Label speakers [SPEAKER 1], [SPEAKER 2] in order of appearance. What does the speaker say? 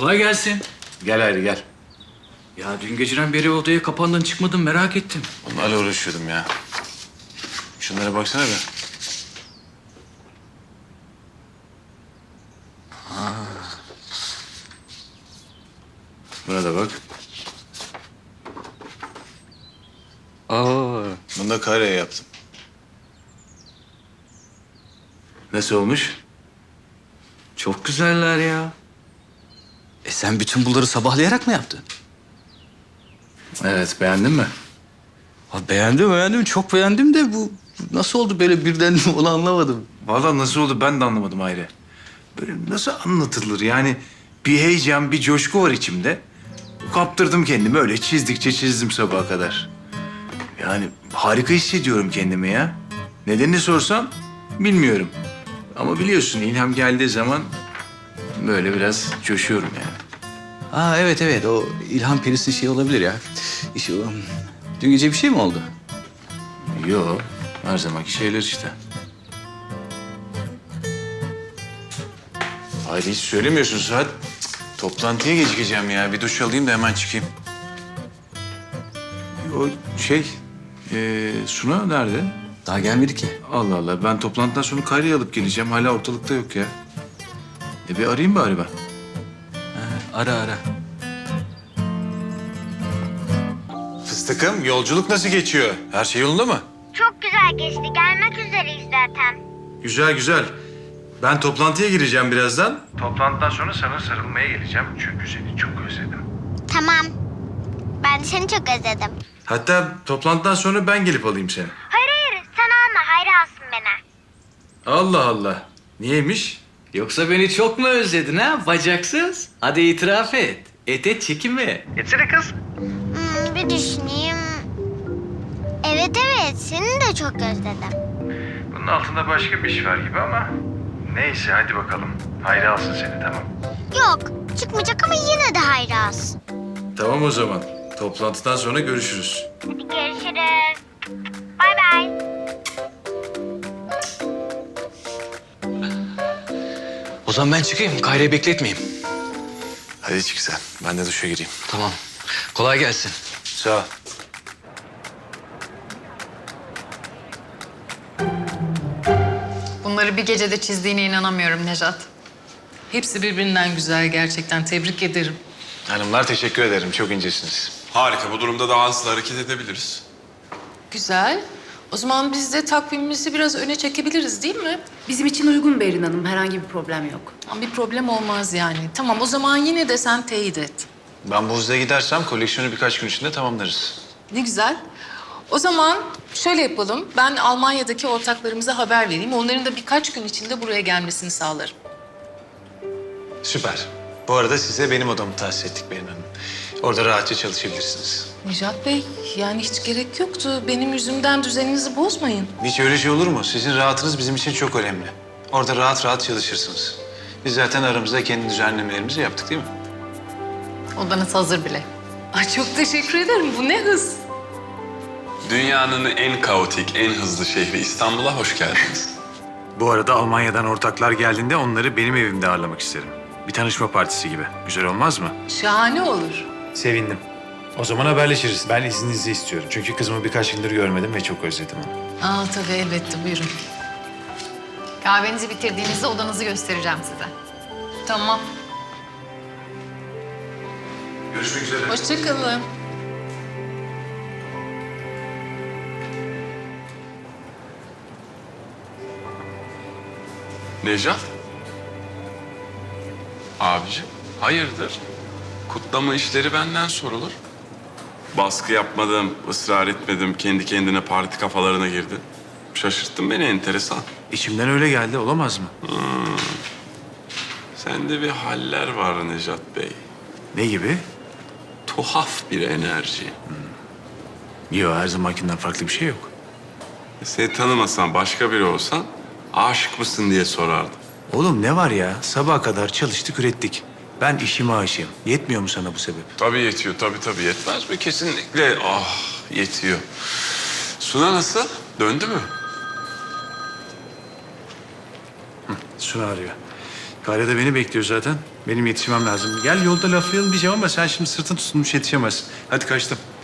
[SPEAKER 1] Kolay gelsin.
[SPEAKER 2] Gel Hayri gel.
[SPEAKER 1] Ya dün geceden beri odaya kapandın çıkmadın merak ettim.
[SPEAKER 2] Onlarla uğraşıyordum ya. Şunlara baksana be. Buna da bak.
[SPEAKER 1] Aa.
[SPEAKER 2] Bunu da kareye yaptım. Nasıl olmuş?
[SPEAKER 1] Çok güzeller ya. Sen bütün bunları sabahlayarak mı yaptın?
[SPEAKER 2] Evet, beğendin mi?
[SPEAKER 1] Beğendim. Çok beğendim de bu nasıl oldu böyle birden onu anlamadım.
[SPEAKER 2] Vallahi nasıl oldu ben de anlamadım Hayri. Böyle nasıl anlatılır yani bir heyecan, bir coşku var içimde. Kaptırdım kendimi öyle çizdikçe çizdim sabaha kadar. Yani harika hissediyorum kendimi ya. Nedenini sorsam bilmiyorum. Ama biliyorsun ilham geldiği zaman böyle biraz coşuyorum yani.
[SPEAKER 1] Evet o İlhan Perisi şey olabilir ya. Dün gece bir şey mi oldu?
[SPEAKER 2] Yo, her zamanki şeyler işte. Hayır hiç söylemiyorsun Suat. Cık, toplantıya gecikeceğim ya. Bir duş alayım da hemen çıkayım. O şey, Suna nerede?
[SPEAKER 1] Daha gelmedi ki.
[SPEAKER 2] Allah Allah, ben toplantıdan sonra Kayra'yı alıp geleceğim. Hala ortalıkta yok ya. Bir arayayım bari ben.
[SPEAKER 1] Ara.
[SPEAKER 2] Fıstıkım, yolculuk nasıl geçiyor? Her şey yolunda mı?
[SPEAKER 3] Çok güzel geçti. Gelmek üzereyiz zaten.
[SPEAKER 2] Güzel. Ben toplantıya gireceğim birazdan. Toplantıdan sonra sana sarılmaya geleceğim. Çünkü seni çok özledim.
[SPEAKER 3] Tamam. Ben de seni çok özledim.
[SPEAKER 2] Hatta toplantıdan sonra ben gelip alayım seni.
[SPEAKER 3] Hayır. Sen alma. Hayri alsın beni.
[SPEAKER 2] Allah Allah. Niyeymiş?
[SPEAKER 1] Yoksa beni çok mu özledin ha bacaksız? Hadi itiraf et. Et çekinme. Etsene kız.
[SPEAKER 3] Bir düşüneyim. Evet. Seni de çok özledim.
[SPEAKER 2] Bunun altında başka bir iş var gibi ama... Neyse hadi bakalım. Hayri alsın seni tamam.
[SPEAKER 3] Yok. Çıkmayacak ama yine de Hayri alsın.
[SPEAKER 2] Tamam o zaman. Toplantıdan sonra görüşürüz.
[SPEAKER 3] Hadi görüşürüz. Bay bay.
[SPEAKER 1] O zaman ben çıkayım. Kayra'yı bekletmeyeyim.
[SPEAKER 2] Hadi çık sen. Ben de duşa gireyim.
[SPEAKER 1] Tamam. Kolay gelsin.
[SPEAKER 2] Sağ ol.
[SPEAKER 4] Bunları bir gecede çizdiğine inanamıyorum Nejat.
[SPEAKER 5] Hepsi birbirinden güzel gerçekten. Tebrik ederim.
[SPEAKER 2] Hanımlar teşekkür ederim. Çok incesiniz.
[SPEAKER 6] Harika. Bu durumda daha hızlı hareket edebiliriz.
[SPEAKER 5] Güzel. O zaman biz de takvimimizi biraz öne çekebiliriz değil mi?
[SPEAKER 4] Bizim için uygun Berin Hanım. Herhangi bir problem yok.
[SPEAKER 5] Ama bir problem olmaz yani. Tamam o zaman yine de sen teyit et.
[SPEAKER 2] Ben bu hızla gidersem koleksiyonu birkaç gün içinde tamamlarız.
[SPEAKER 5] Ne güzel. O zaman şöyle yapalım. Ben Almanya'daki ortaklarımıza haber vereyim. Onların da birkaç gün içinde buraya gelmesini sağlarım.
[SPEAKER 2] Süper. Bu arada size benim odamı tahsis ettik Berin Hanım. Orada rahatça çalışabilirsiniz.
[SPEAKER 5] Nejat Bey, yani hiç gerek yoktu. Benim yüzümden düzeninizi bozmayın.
[SPEAKER 2] Hiç öyle şey olur mu? Sizin rahatınız bizim için çok önemli. Orada rahat çalışırsınız. Biz zaten aramızda kendi düzenlemelerimizi yaptık değil mi?
[SPEAKER 4] Odanız hazır bile.
[SPEAKER 5] Ay çok teşekkür ederim. Bu ne hız.
[SPEAKER 6] Dünyanın en kaotik, en hızlı şehri İstanbul'a hoş geldiniz.
[SPEAKER 2] Bu arada Almanya'dan ortaklar geldiğinde onları benim evimde ağırlamak isterim. Bir tanışma partisi gibi. Güzel olmaz mı?
[SPEAKER 5] Şahane olur.
[SPEAKER 2] Sevindim. O zaman haberleşiriz. Ben izninizi istiyorum. Çünkü kızımı birkaç gündür görmedim ve çok özledim onu.
[SPEAKER 5] Aa tabii elbette buyurun.
[SPEAKER 4] Kahvenizi bitirdiğinizde odanızı göstereceğim size.
[SPEAKER 5] Tamam.
[SPEAKER 2] Görüşmek üzere.
[SPEAKER 5] Hoşça kalın.
[SPEAKER 6] Nejat? Abiciğim, hayırdır? Kutlama işleri benden sorulur. Baskı yapmadım, ısrar etmedim. Kendi kendine parti kafalarına girdi. Şaşırttın beni, enteresan.
[SPEAKER 2] İçimden öyle geldi. Olamaz mı?
[SPEAKER 6] Sende bir haller var Nejat Bey.
[SPEAKER 2] Ne gibi?
[SPEAKER 6] Tuhaf bir enerji.
[SPEAKER 2] Yok, her zamankinden farklı bir şey yok.
[SPEAKER 6] Seni tanımasam, başka biri olsan aşık mısın diye sorardım.
[SPEAKER 2] Oğlum ne var ya? Sabaha kadar çalıştık, ürettik. Ben işime aşığım. Yetmiyor mu sana bu sebep?
[SPEAKER 6] Tabii yetiyor, tabii yetmez mi? Kesinlikle yetiyor. Suna nasıl? Döndü mü?
[SPEAKER 2] Suna arıyor. Kayra da beni bekliyor zaten. Benim yetişmem lazım. Gel yolda laflayalım diyeceğim ama sen şimdi sırtın tutulmuş yetişemezsin. Hadi kaçtım.